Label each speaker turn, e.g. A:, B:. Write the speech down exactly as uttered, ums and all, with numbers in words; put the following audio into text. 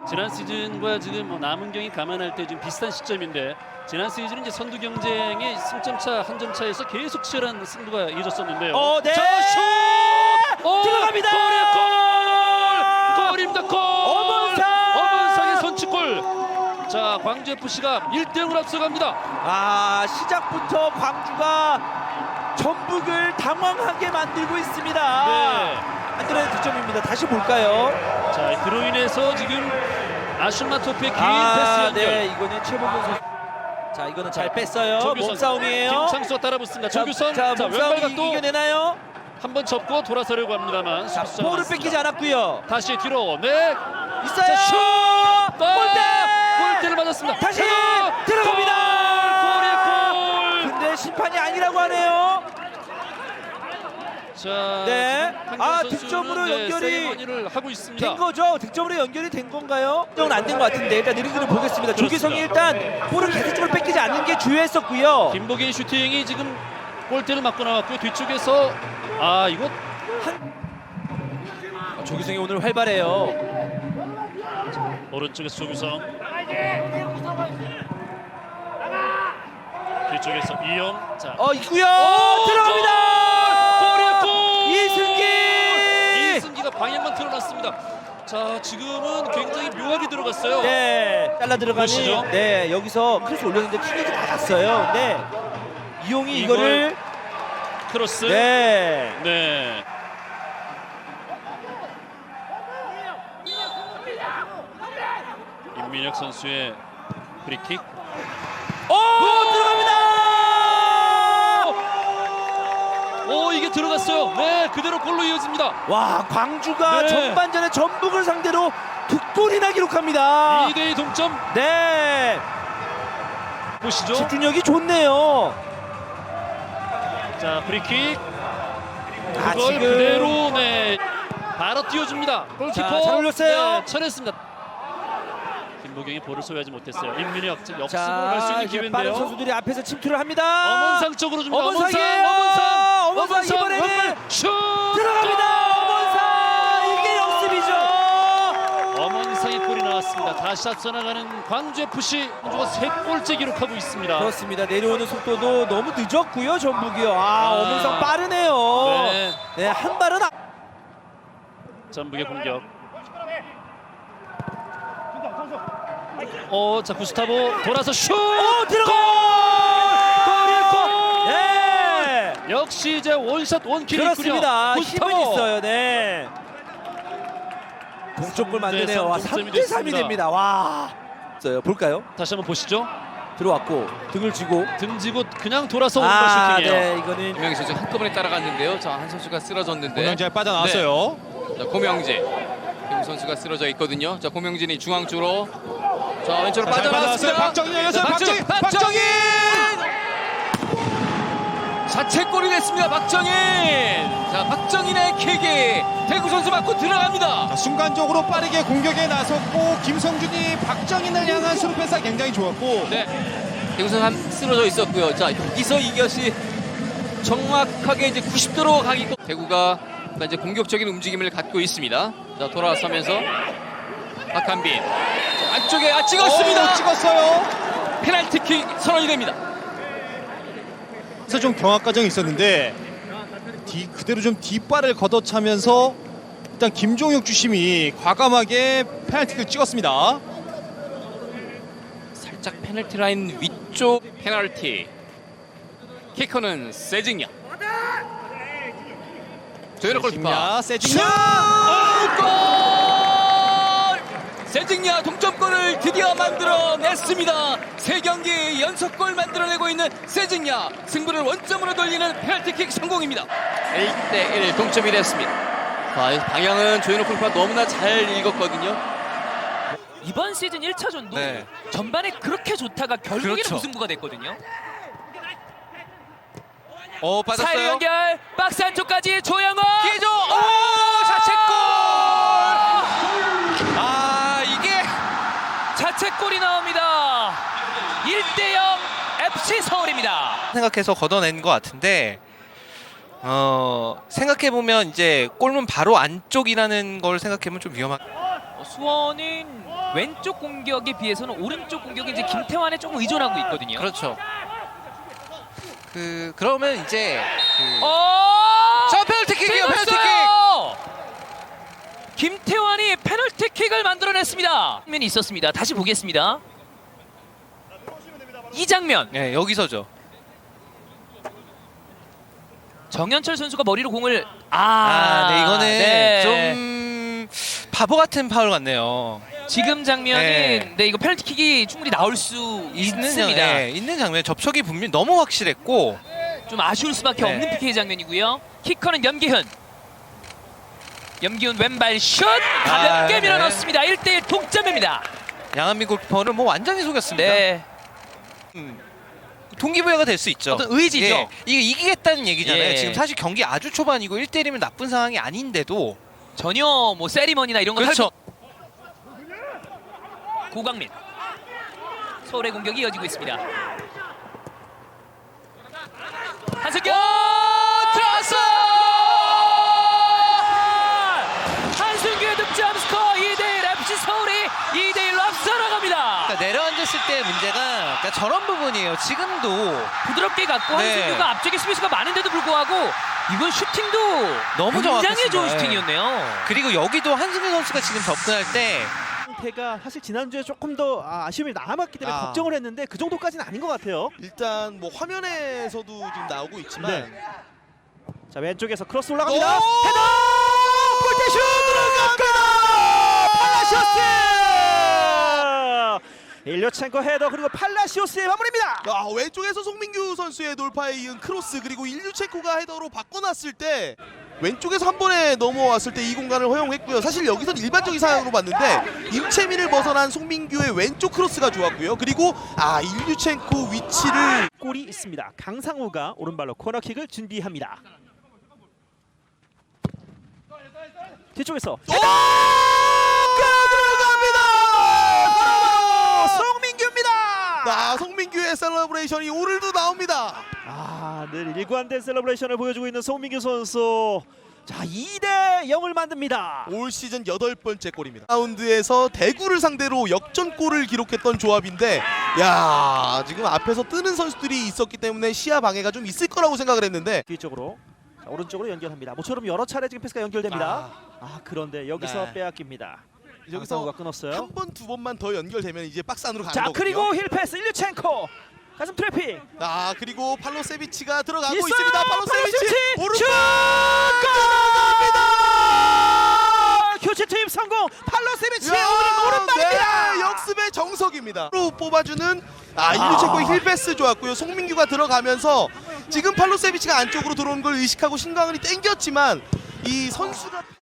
A: 지난 시즌과 지금 뭐 남은 경기 감안할 때 지금 비슷한 시점인데 지난 시즌은 이제 선두 경쟁의 승점 차 한 점 차에서 계속 치열한 승부가 이어졌었는데요.
B: 어, 네.
A: 자, 슛! 오,
B: 들어갑니다.
A: 골! 골입니다. 골!
B: 엄원상!
A: 엄원상의 선취골. 자, 광주에프씨가 일 대 영으로 앞서갑니다.
B: 아, 시작부터 광주가 전북을 당황하게 만들고 있습니다.
A: 네.
B: 안드레의 득점입니다. 다시 볼까요?
A: 자, 그로 인해서 지금 아슈마토프의 긴
B: 아,
A: 패스 연결.
B: 네, 이거는 최복원 선수. 자, 이거는 잘 뺐어요.
A: 조규성,
B: 몸싸움이에요.
A: 김창수가 따라붙습니다. 조규성,
B: 자,
A: 자,
B: 몸싸움
A: 왼발각도
B: 이겨내나요?
A: 한번 접고 돌아서려고 합니다만
B: 자,
A: 수비수가
B: 볼을
A: 나왔습니다.
B: 뺏기지 않았고요.
A: 다시 뒤로, 네,
B: 있어요.
A: 자, 슛! 아,
B: 골대!
A: 골대를 맞았습니다.
B: 다시
A: 자,
B: 들어갑니다.
A: 골! 골!
B: 근데 심판이 아니라고 하네요.
A: 자,
B: 네.
A: 지금
B: 아,
A: 황경 선수는,
B: 득점으로
A: 네,
B: 연결이
A: 세리머니를 하고 있습니다.
B: 된 거죠? 득점으로 연결이 된 건가요? 득점은 안 된 것 같은데 일단 느리느리 보겠습니다. 조규성이 일단 볼을 계속적으로 뺏기지 않는 게 주요했었고요.
A: 김보기의 슈팅이 지금 골대를 맞고 나왔고요. 뒤쪽에서 아 이거
B: 아, 조규성이 오늘 활발해요.
A: 오른쪽에서 조규성, 뒤쪽에서 이용. 자,
B: 어, 있고요.
A: 오,
B: 들어갑니다.
A: 골이야, 골!
B: 이승기.
A: 이승기가 방향만 틀어놨습니다. 자, 지금은 굉장히 묘하게 들어갔어요.
B: 네, 잘라 들어가니.
A: 보시죠.
B: 네, 여기서 크로스 올렸는데 튕겨지 맞았어요. 근데 이용이
A: 이걸-
B: 이거를
A: 크로스.
B: 네.
A: 네. 임민혁 선수의 프리킥.
B: 오, 들어갑니다.
A: 오, 이게 들어갔어요. 네, 그대로 골로 이어집니다.
B: 와, 광주가
A: 네.
B: 전반전에 전북을 상대로 두 골이나 기록합니다.
A: 이 대 이 동점.
B: 네,
A: 보시죠.
B: 집중력이 좋네요.
A: 자, 프리킥.
B: 아,
A: 그걸
B: 지금
A: 그대로 네 바로 띄워줍니다. 골키퍼.
B: 자, 잘 올렸어요.
A: 네, 쳐냈습니다. 김보경이 볼을 소유하지 못했어요. 임민혁 지금 역습으로
B: 자,
A: 갈 수 있는
B: 이제 빠른
A: 기회인데요.
B: 선수들이 앞에서 침투를 합니다.
A: 엄원상 쪽으로 줍니다.
B: 엄원상이에요.
A: 엄원상,
B: 엄원상
A: 엄원상,
B: 이번에는
A: 왼발 슛
B: 들어갑니다. 엄원상, 이게 역습이죠.
A: 엄원상의 골이 나왔습니다. 다시 앞서 나가는 광주에프씨. 광주가 세 골째 기록하고 있습니다.
B: 그렇습니다. 내려오는 속도도 너무 늦었고요. 전북이요. 아,
A: 아.
B: 엄원상 빠르네요.
A: 네.
B: 네, 한 발은 아...
A: 전북의 공격. 어, 자 구스타보 돌아서 슛!
B: 오, 들어가!
A: 골! 골!
B: 네.
A: 역시 이제 원샷 원킬이
B: 그렇습니다.
A: 있군요.
B: 힘은 있어요. 네. 동점골 만드네요. 와, 삼 대 삼이 됩니다. 와. 있어요. 볼까요?
A: 다시 한번 보시죠.
B: 들어왔고 등을 쥐고
A: 등지고 그냥 돌아서 오는
B: 아,
A: 슈팅이에요.
B: 네, 이거는
C: 고명재 선수 한꺼번에 따라갔는데요. 자, 한 선수가 쓰러졌는데.
D: 고명재 빠져나왔어요.
C: 네. 자, 고명재. 김 선수가 쓰러져 있거든요. 자, 고명진이 중앙 쪽으로. 자, 왼쪽으로
D: 잘
C: 빠져나왔습니다.
D: 빠져나왔어요. 박정희 열렸어요.
C: 자,
D: 박정희!
C: 박정희! 자책골이 됐습니다. 박정인. 자, 박정인의 킥이 대구 선수 맞고 들어갑니다.
D: 자, 순간적으로 빠르게 공격에 나섰고 김성준이 박정인을 향한 수루 패스가 굉장히 좋았고
C: 네. 대구 선수 한 쓰러져 있었고요. 자, 여기서 이것이 정확하게 이제 구십 도로 가기. 대구가 이제 공격적인 움직임을 갖고 있습니다. 자, 돌아서면서 박한빈. 자, 안쪽에 아 찍었습니다.
D: 오, 찍었어요.
C: 페널티킥 선언이 됩니다.
D: 그래서 좀 경합 과정이 있었는데 뒤, 그대로 좀 뒷발을 걷어차면서 일단 김종혁 주심이 과감하게 페널티를 찍었습니다.
C: 살짝 페널티 라인 위쪽 페널티. 키커는 세징야. 조현우 골키퍼.
D: 세징야.
C: 골! 세징야 동점골을 드디어 만들어냈습니다. 세 경기 연속골 만들어내고 있는 세징야. 승부를 원점으로 돌리는 페널티킥 성공입니다. 일 대 일 동점이 됐습니다. 자, 방향은 조현우 골키퍼가 너무나 잘 읽었거든요.
E: 이번 시즌 일 차전도
C: 네.
E: 전반에 그렇게 좋다가 결국에는
C: 그렇죠.
E: 무승부가 됐거든요.
C: 오,
E: 사이드 연결 박스 안쪽까지 조영호
C: 기조. 오, 자책골. 아, 이게
E: 자책골이 나옵니다. 일 대 영 에프씨 서울입니다.
F: 생각해서 걷어낸 것 같은데 어 생각해 보면 이제 골문 바로 안쪽이라는 걸 생각해보면 좀 위험한.
E: 어, 수원은 왼쪽 공격에 비해서는 오른쪽 공격이 이제 김태환에 조금 의존하고 있거든요.
F: 그렇죠. 그 그러면 이제 그...
E: 어!
F: 자, 페널티킥이에요. 페널티킥.
E: 김태환이 페널티킥을 만들어냈습니다. 장면이 있었습니다. 다시 보겠습니다. 이 장면.
F: 네, 여기서죠.
E: 정현철 선수가 머리로 공을 아,
F: 아, 네, 이거는
E: 네.
F: 좀 바보 같은 파울 같네요.
E: 지금 장면이
F: 네.
E: 네, 이거 페널티킥이 충분히 나올 수
F: 있는
E: 있습니다.
F: 장, 네, 있는 장면. 접촉이 분명히 너무 확실했고.
E: 좀 아쉬울 수밖에
F: 네.
E: 없는 피케이 장면이고요. 키커는 염기훈. 염기훈 왼발 슛 가볍게
F: 아,
E: 밀어넣습니다. 일 대 일 동점입니다.
F: 양한민 골키퍼를 뭐 완전히 속였습니다.
E: 네.
F: 음, 동기부여가 될 수 있죠.
E: 어떤 의지죠.
F: 예, 이거 이기겠다는 얘기잖아요.
E: 예.
F: 지금 사실 경기 아주 초반이고 일 대 일이면 나쁜 상황이 아닌데도
E: 전혀 뭐 세리머니나 이런 거
F: 그렇죠.
E: 고광민. 서울의 공격이 이어지고 있습니다. 한승규 들어왔어! 한승규의 득점 스코어 이 대 일 에프씨 서울이 이 대 일로 앞서 나갑니다.
F: 그러니까 내려앉았을 때 문제가 그러니까 저런 부분이에요. 지금도
E: 부드럽게 갔고
F: 네.
E: 한승규가 앞쪽에 수비수가 많은데도 불구하고 이건 슈팅도
F: 너무
E: 굉장히
F: 정확했습니다.
E: 좋은
F: 예.
E: 슈팅이었네요.
F: 그리고 여기도 한승규 선수가 지금 접근할 때
B: 상태가 사실 지난주에 조금 더 아, 아쉬움이 남았기 때문에
G: 아.
B: 걱정을 했는데 그 정도까지는 아닌 것 같아요.
G: 일단 뭐 화면에서도 지금 나오고 있지만
B: 네. 자, 왼쪽에서 크로스 올라갑니다.
G: 오!
B: 헤더! 골대슛 들어갑니다. 팔라시오스! 일류첸코 헤더 그리고 팔라시오스의 마무리입니다.
G: 아, 왼쪽에서 송민규 선수의 돌파에 이은 크로스 그리고 일류체코가 헤더로 바꿔놨을 때 왼쪽에서 한 번에 넘어왔을 때 이 공간을 허용했고요. 사실 여기서는 일반적인 상황으로 봤는데 임채민을 벗어난 송민규의 왼쪽 크로스가 좋았고요. 그리고 아 일류첸코 위치를
B: 골이 있습니다. 강상우가 오른발로 코너킥을 준비합니다. 뒤쪽에서
G: 오! 들어갑니다.
B: 송민규입니다.
G: 아, 송민규의 셀러브레이션이 오늘도 나옵니다.
B: 아, 늘 일관된 셀러브레이션을 보여주고 있는 송민규 선수. 자, 이 대 영을 만듭니다.
G: 올 시즌 여덟 번째 골입니다. 라운드에서 대구를 상대로 역전골을 기록했던 조합인데 야, 지금 앞에서 뜨는 선수들이 있었기 때문에 시야 방해가 좀 있을 거라고 생각을 했는데
B: 뒤쪽으로 자, 오른쪽으로 연결합니다. 모처럼 여러 차례 지금 패스가 연결됩니다. 아, 그런데 여기서
G: 네.
B: 빼앗깁니다.
G: 여기서
B: 강상우가 끊었어요.
G: 한 번 두 번만 더 연결되면 이제 박스 안으로 가는
B: 자,
G: 거거든요.
B: 그리고 힐 패스 일류첸코 가슴 트래핑
G: 아, 그리고 팔로세비치가 들어가고
B: 있어요.
G: 있습니다. 팔로세비치
B: 팔로세비치!
G: 오른쪽
B: 슛!
G: 들어갑니다.
B: 교체 투입 성공. 팔로세비치의
G: 야,
B: 오른 오른발입니다.
G: 네, 역습의 정석입니다. 로 뽑아주는 아, 일류체코의 힐 패스 좋았고요. 송민규가 들어가면서 지금 팔로세비치가 안쪽으로 들어온 걸 의식하고 신광은이 땡겼지만 이 선수가